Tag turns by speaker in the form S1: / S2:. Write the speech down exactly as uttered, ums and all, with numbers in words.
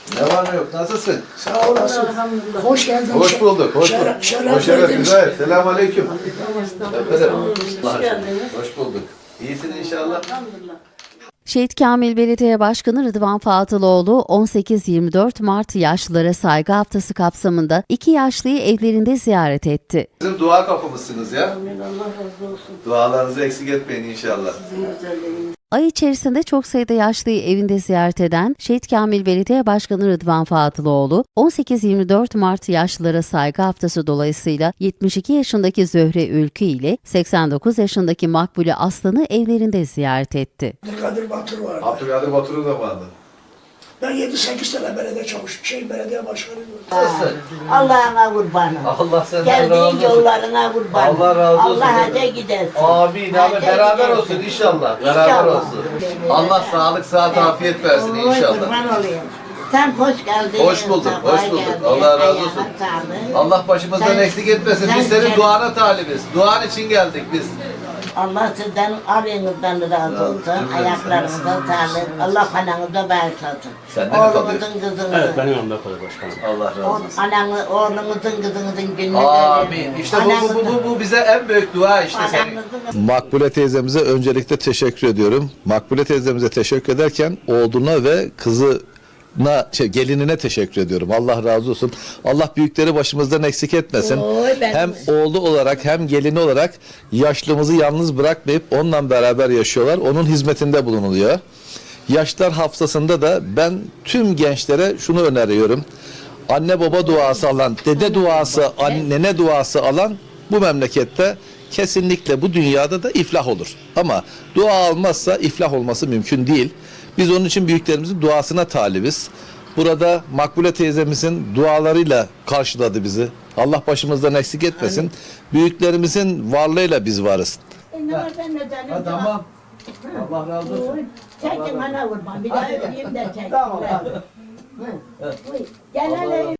S1: Ne var ne yok? Nasılsın?
S2: Sağ olasın. Hoş geldin.
S1: Hoş bulduk. Hoş
S2: Şeref-
S1: bulduk.
S2: şeref
S1: Hoş geldin.
S2: verdiniz.
S1: Güzel. Selamun aleyküm. Efendim.
S3: Hoş geldiniz.
S1: Hoş bulduk. İyisin inşallah.
S3: Elhamdülillah.
S4: Şehit Kamil Belediye Başkanı Rıdvan Fatıloğlu on sekiz yirmi dört Mart Yaşlılara Saygı Haftası kapsamında iki yaşlıyı evlerinde ziyaret etti.
S1: Bizim dua kapımızsınız ya.
S3: Amin. Allah razı olsun.
S1: Dualarınızı eksik etmeyin inşallah.
S3: Sizin güzelliğiniz.
S4: Ay içerisinde çok sayıda yaşlıyı evinde ziyaret eden Şehit Kamil Belediye Başkanı Rıdvan Fatıloğlu, on sekiz yirmi dört Mart Yaşlılara Saygı Haftası dolayısıyla yetmiş iki yaşındaki Zöhre Ülkü ile seksen dokuz yaşındaki Makbule Aslan'ı evlerinde ziyaret etti.
S2: Abdülkadir Batur vardı.
S1: Abdülkadir Batur'un da vardı.
S2: Ben yedi sekiz sene belediye çalıştım. Şey belediye başkanıydım.
S1: Nasılsın?
S5: Allah'ına kurbanım.
S1: Allah senden razı
S5: Geldiğin
S1: olsun.
S5: yollarına kurbanım.
S1: Allah razı olsun.
S5: Allah hacca gidersin.
S1: Amin. Abi
S5: Hacca
S1: beraber
S5: gidersin.
S1: olsun inşallah. Beraber
S5: İnşallah.
S1: olsun. Allah sağlık, sıhhat, afiyet versin
S5: Oy,
S1: inşallah.
S5: kurban olayım. Sen hoş geldin.
S1: Hoş bulduk,
S5: sabah
S1: hoş bulduk.
S5: geldin.
S1: Allah razı
S5: Ayağına
S1: olsun.
S5: sağlık.
S1: Allah başımızdan
S5: Sen-
S1: eksik etmesin.
S5: sen
S1: Biz senin
S5: gel-
S1: duana talibiz. Duan için geldik biz.
S5: Allah sizden aleyhinizden razı olsun.
S1: cümlemizden.
S5: Ayaklarınıza sağlık. Allah ananıza bağışlasın.
S1: Senden mi kalıyor?
S5: Oğlunuzun kızınızın.
S6: Evet, benim yanımda kalıyor başkanım.
S1: Allah razı
S5: O-
S1: olsun.
S5: Ananı, oğlunuzun kızınızın gününü
S1: Amin. İşte bu, bu, bu, bu, bu bize en büyük dua işte senin.
S5: Ananızın
S7: Makbule teyzemize öncelikle teşekkür ediyorum. Makbule teyzemize teşekkür ederken oğluna ve kızına, şey, gelinine teşekkür ediyorum. Allah razı olsun. Allah büyükleri başımızdan eksik etmesin.
S5: Oy, ben-
S7: Hem oğlu olarak hem gelini olarak yaşlımızı yalnız bırakmayıp onunla beraber yaşıyorlar. Onun hizmetinde bulunuluyor. Yaşlar haftasında da ben tüm gençlere şunu öneriyorum. Anne baba duası alan, dede duası, annene duası alan bu memlekette kesinlikle bu dünyada da iflah olur. Ama dua almazsa iflah olması mümkün değil. Biz onun için büyüklerimizin duasına talibiz. Burada Makbule teyzemizin dualarıyla karşıladı bizi. Allah başımızdan eksik etmesin. Büyüklerimizin varlığıyla biz varız.
S5: E, ne var ben de canım?
S1: Ha, tamam. Allah razı olsun.
S5: Çekin bana vurma. Bir daha öpeyim de çekin.
S1: Tamam, hadi.
S5: Hı. Buyur. Gel hele.